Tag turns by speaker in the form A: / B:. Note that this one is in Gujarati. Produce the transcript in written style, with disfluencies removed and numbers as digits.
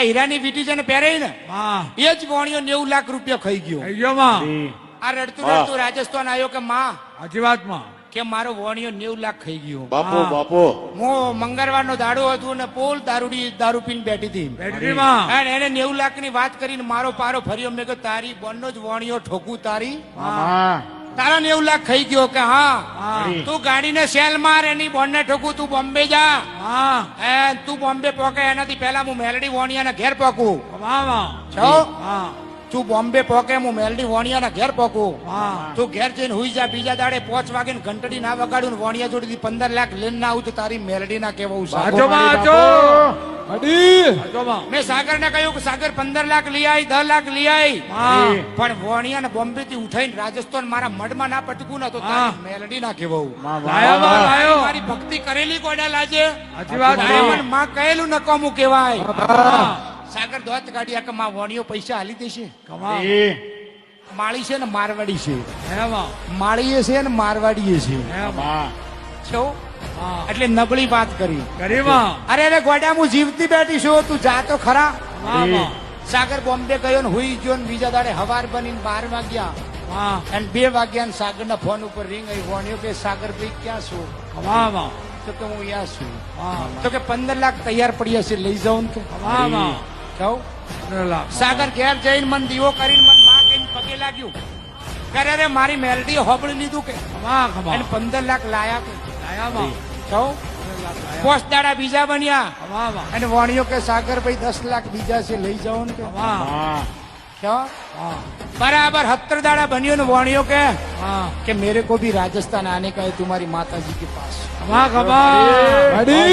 A: હીરાની વીટી છે ને પહેરે ને
B: માં
A: એ જ વોણીઓ 90 લાખ રૂપિયા ખાઈ ગયો.
B: થઈ ગયો માં
A: આ રડતું રડતું રાજસ્થાન આવ્યો કે માં
B: સાચી વાત માં
A: કે મારો વોણીઓ 90 લાખ ખાઈ ગયો.
C: બાપુ
B: હા.
C: બાપુ
A: હું મંગળવારનો દાડો હતું ને પોલ દારૂ પીને બેઠી હતી
B: બેટરી માં
A: અને એને 90 લાખ ની વાત કરીને મારો પારો ફર્યો. મેં કહ્યું તારી બોનનો જ વોણીઓ ઠોકું તારી
C: મામા
A: તારા 90 લાખ ખાઈ ગયો કે હા
B: હા
A: તું ગાડીને સેલ માર એની બોનને ઠોકું તું બોમ્બે જા
B: માં
A: તું બોમ્બે પોકે એનાથી પહેલા હું મેલડી વોણિયાના ઘેર પોકું
B: માં
A: છો
B: હા
A: તું બોમ્બે પોકે હું મેલડી વોણિયાના ઘેર પોકું
B: હા
A: તું ઘેર જઈને હુઈ જા. બીજા દાડે 5 વાગે ઘંટડી ના વગાડું ને વોણિયા જોડેથી 15 લાખ લઈને ના આવું તો તારી મેલડી ના કેવું
B: સાચો માં સાચો સાચો માં
A: મેં સાગર ને કહ્યું કે સાગર 15 લાખ લઈ આવી 10 લાખ લઈ આવી
B: માં
A: પણ વોણિયા ને બોમ્બે થી ઉઠાઈને રાજસ્થાન મારા મઢમાં ના પટકું ને તો તારી મેલડી ના કેવું
B: લાયો માં લાયો
A: મારી ભક્તિ કરેલી કોડા લાજે
B: સાચી વાત
A: તારે
B: માં
A: મને માં કહેલું નકામું કહેવાય.
B: હા.
A: સાગર દોત કાઢ્યા કે માં વોણીઓ પૈસા હાલી દેશે.
B: કમા
A: માળી છે ને મારવાડી છે.
B: હે માં
A: માળીએ છે ને મારવાડીએ છે.
B: હે માં
A: છો
B: હા
A: એટલે નબળી વાત કરી.
B: કરી માં
A: અરે અરે ગોડા હું જીવતી બેઠી છું તું જા તો ખરા.
B: માં
A: સાગર બોમ્બે ગયો ને હુઈ ગયો ને બીજા દાડે હવાર બનીને 12 વાગ્યા
B: માં
A: અને 2 વાગ્યા ને સાગર ના ફોન ઉપર રિંગ આવી. વોણિયો કે સાગર ભાઈ ક્યાં છું?
B: કમા
A: તો કે હું અહીંયા છું.
B: માં
A: તો કે 15 લાખ તૈયાર પડ્યા છે લઈ જાઉં ને કે
B: માં
A: જાઉં. સાગર ઘેર જઈને મન દીવો કરીને મન માં કહીને પગે લાગ્યું. કરે રે મારી મેલડી હોબળી લીધું કે
B: કમા કમા
A: એને 15 લાખ લાયા કે
B: લાયા માં
A: જાઉં. 5 દાડા બીજા બન્યા
B: કમા માં
A: અને વોણિયો કે સાગર ભાઈ 10 લાખ બીજા છે લઈ જાઓ ને કે
B: કમા
A: ક્યાં
B: હા
A: बराबर 70 दाड़ा बनियो ने वाणियों के
B: हाँ
A: कि मेरे को भी राजस्थान आने का है तुम्हारी माता जी के पास.
B: कमा